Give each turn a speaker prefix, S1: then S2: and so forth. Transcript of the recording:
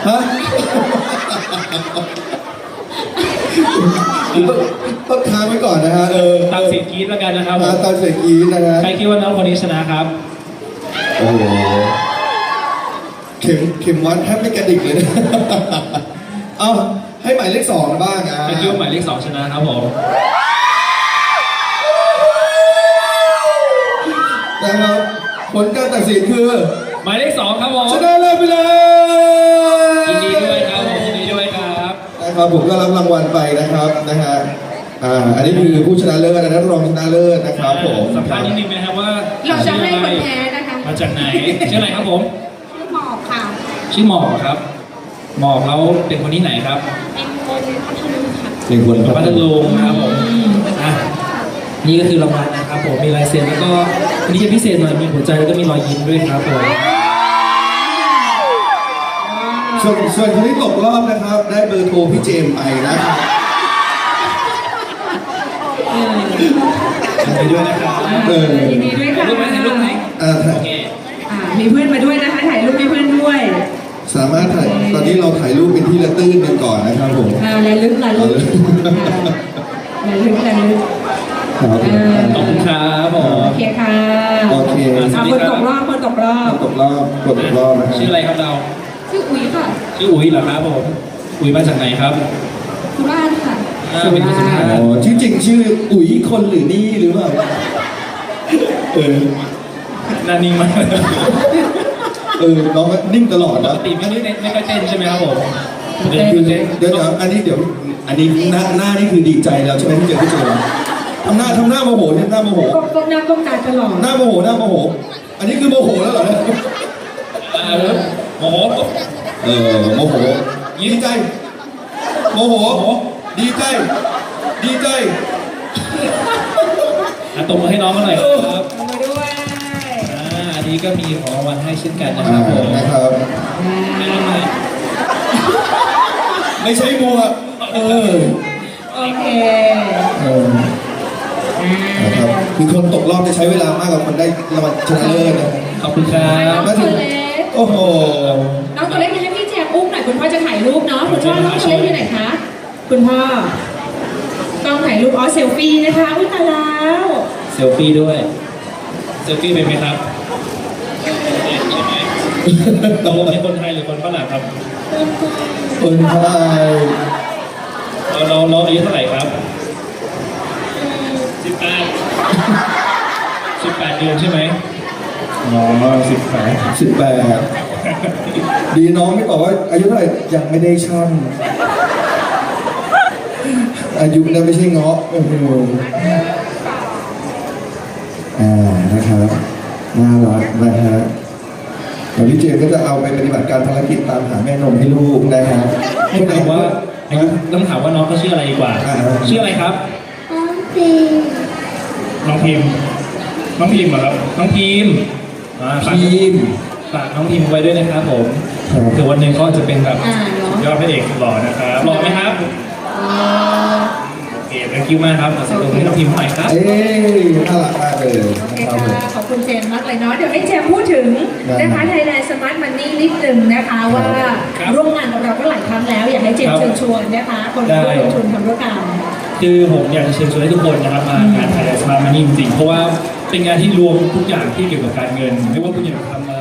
S1: ฮะต้องค้างไว้ก่อนนะฮะ
S2: ตามเสียงกรี๊ดแล้วกันนะครับผม
S1: ตามเสียงกรี๊ดนะฮะ
S2: ใครคิดว่าน้องคนนี้ชนะครับ
S1: โอ้โหเข็มวัดแทบไม่กระดิกเลยนะเอาให้หมายเลขสองบ้าง
S2: ใครคิดว่าหมายเลข2ชนะครับผม
S1: นะครับผลการตัดสินคือ
S2: หมายเลข2ครับผม
S1: ชนะเลิศไปเลย
S2: ยินดีด้วยครับผมยินดีด้วยครับ
S1: นะครับผมก็รับรางวัลไปนะครับนะฮะอันนี้คือผู้ชนะเลิศนะรองชนะเลิศนะครับผม
S2: สัมภาษณ์นิดนึงนะครับว่า
S3: เราจะให้คนแพ้นะคะ
S2: มาจากไหนชื่ออะไรครับผม
S3: ชื่อหมอกค่ะ
S2: ชื่อหมอกครับหมอกแล้วเป็นคนที่ไหนครับ
S3: เป็นคนพัทลุงค่ะ
S1: เป็นคน
S2: พัทลุงนะครับผมอ่ะนี่ก็คือรางวัลนะครับผมมีลายเซ็นแล้วก็อันนี้จะพิเศษหน่อยมีหัวใจแล้วก็มีรอยยิ้มด้วยครับผม
S1: ส่วนคนที่ตกรอบนะครับ ได้เบอร์โทรพี่เจมส์ไปนะครับ
S2: ยินดีด้วยนะครับ
S3: ยินดีด้วยค่ะ
S2: รูปไหมรูปไหมโอเค
S3: มีเพื่อนมาด้วยนะคะ ถ่ายรูปให้เพื่อนด้วย
S1: สามารถถ่ายตอนนี้เราถ่ายรูปเป็นที่ระตื้นกันก่อนนะครับผม
S3: ระลึกระลึกระลึกระลึก
S1: ครับ
S2: ขอบคุณครับผม
S3: โอเคค่ะ
S1: โอเค
S3: คนตกรอบคนตกรอบ
S1: ตกรอบนะครับ
S2: ชื่ออะไรครับเรา
S3: ชื่ออุ๋ยค่ะ
S2: ชื่ออุ๋ยเหรอครับผมอุ๋ยมาจากไหนครับ
S3: สุราษฎร์ค่ะ
S2: เป็นคนสุราษฎ
S1: อ๋อ
S2: ร์
S1: ชื่อจริงชื่ออุ๋ยคนหรือนี่หรือเปล่า
S2: หน้านิ่งมาก
S1: น้องนิ่งตลอด
S2: ป
S1: นะ
S2: กติไม่ค่อยเต้นใช่ไหมครับผม
S1: เดี๋ยวอันนี้หน้านี่คือดีใจแล้วใช่ไหมที่เจอพี่เจอทำหน้าโมโหเนี่ยหน้าโมโห
S3: ก้มหน้าก้มตาตลอด
S1: หน้าโมโหอันนี้คือโมโหแล้วเหรอเนี่ย
S2: โอ้โห
S1: โมโหดีใจโมโหดีใจ
S2: ตบมือให้น้องกันหน่อยครับ
S3: มาด้วย
S2: อันนี้ก็มีของรางวัลให้เช่นกันนะครับผม
S1: นะครับไม่ใช่มัวก
S3: โอเค
S1: นะครับคือคนตกรอบจะใช้เวลามากกว่าคนได้รางวัลชนะเลิศนะ
S2: ขอบคุณครับ
S3: น้องตัวเล็ก
S1: โอ้โห
S3: น้องตัวเล็กให้พี่เจมอุ้มหน่อยคุณพ่อจะถ่ายรูปเนาะคุณพ่อน้องตัวเล็กอยู่ไหนคะคุณพ่อต้องถ่ายรูปเซลฟี่นะคะอุ้ยตายแล้ว
S2: เซลฟี่ด้วยเซลฟี่เป็นไหมครับใช่ไหมตกลงเป็นคนไทยหรือคนฝรั่งครับ
S1: คนไทย
S2: เราอายุเท่าไหร่ครับ18เดือนใช่ไหมอ๋อ
S1: 18ดีน้องไม่บอกว่าอายุเท่าไหร่ยังไม่ได้ชั่งอายุนั้นไม่ใช่เงาะโอ้โหนะครับน่ารักนะฮะเดี๋ยวพี่เจมส์ก็จะเอาไปปฏิบัติการภารกิจตามหาแม่นมให้ลูกนะฮะ
S2: ต้องถามว่าน้องเขาชื่ออะไรดีกว่าชื่ออะไรครับน้องพิมพ์เหรอครับน้องพิมพ์ฝากน้องพิมพ์ไว้ด้วยนะครับผมถึงวันหนึ่งก็จะเป็นแบบยอดพระเอกหล่อนะครับหล่อไหมครับโอเคthank youมากครับขอเสียงปรบมือให้น้องพิมพ์หน่อยครับ
S1: น่ารักมากเลย
S3: โอเคค่ะขอบคุณเจมส์มากเลยเนาะเดี๋ยวให้เจมส์พูดถึงนะคะ Thailand Smart Money นิดหนึ่งนะคะว่าร่วมงานกับเราก็หลายครั้งแล้วอยากให้เจมส์เชิญชวนนะคะคนที่ร่วมลงทุนทำธุรกรรม
S2: คือผมอยากจะเชิญชวนให้ทุกคนนะครับมางาน Thailand Smart Money จริงๆเพราะว่าเป็นงานที่รวมทุกอย่างที่เกี่ยวกับการเงินไม่ว่าคุณอยากทำ